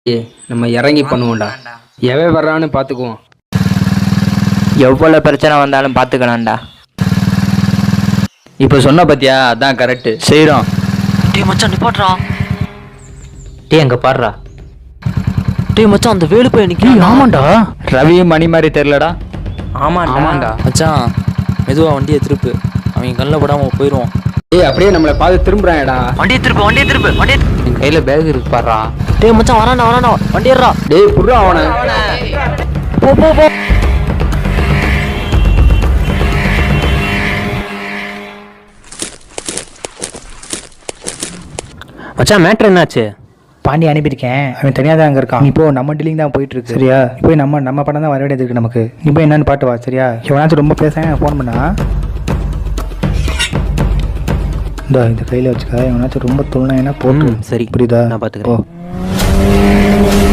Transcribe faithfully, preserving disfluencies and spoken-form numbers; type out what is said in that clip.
நம்ம இறங்கி பண்ணுவோம்டா. எவன் வர்றான்னு பார்த்துக்குவோம். எவ்வளோ பிரச்சனை வந்தாலும் பார்த்துக்கலாம்டா. இப்போ சொன்ன பத்தியா, அதான் கரெக்டு, செய்கிறோம். டேய் மச்சான் நிப்பாட்றா. டேய் அங்கே பாடுறா. டேய் மச்சான் அந்த வேலு போய் நிற்கிறேன். ஆமாண்டா, ரவியும் மணி மாதிரி தெரிலடா. ஆமாண்டா ஆமாண்டா மச்சான் மெதுவா வண்டியை திருப்பு, அவங்க கண்ணில் படாமல் போயிடுவோம். ஏய் அப்படியே நம்மளை பார்த்து திரும்புறான்டா. வண்டியை திருப்பு வண்டியை திருப்பு வண்டியை என் கையில் பேக் இருக்கு பாடுறா. டேய் மச்சான் வரானா வரானா வண்டி ஏறா. டேய் புடுறா அவனை. போ போ போ. மச்சான் மேட்ரு என்னாச்சு? பாண்டி அனுப்பியிருக்கேன், அவன் தனியாக தான் அங்கே இருக்கான். நீ இப்போ நம்ம டீலிங் தான் போயிட்டு இருக்கு சரியா? இப்போ நம்ம நம்ம படம் தான் வர வேண்டியது இருக்கு நமக்கு. நீ போய் என்னன்னு பாட்டு வா சரியா? எவனாச்சும் ரொம்ப பேசாம ஃபோன் பண்ணா இந்த இந்த கையில் வச்சுக்க. எவனாச்சும் ரொம்ப துள்ளினா போட்டு சரி புரியுதா? நான் பார்த்துக்கிறேன்.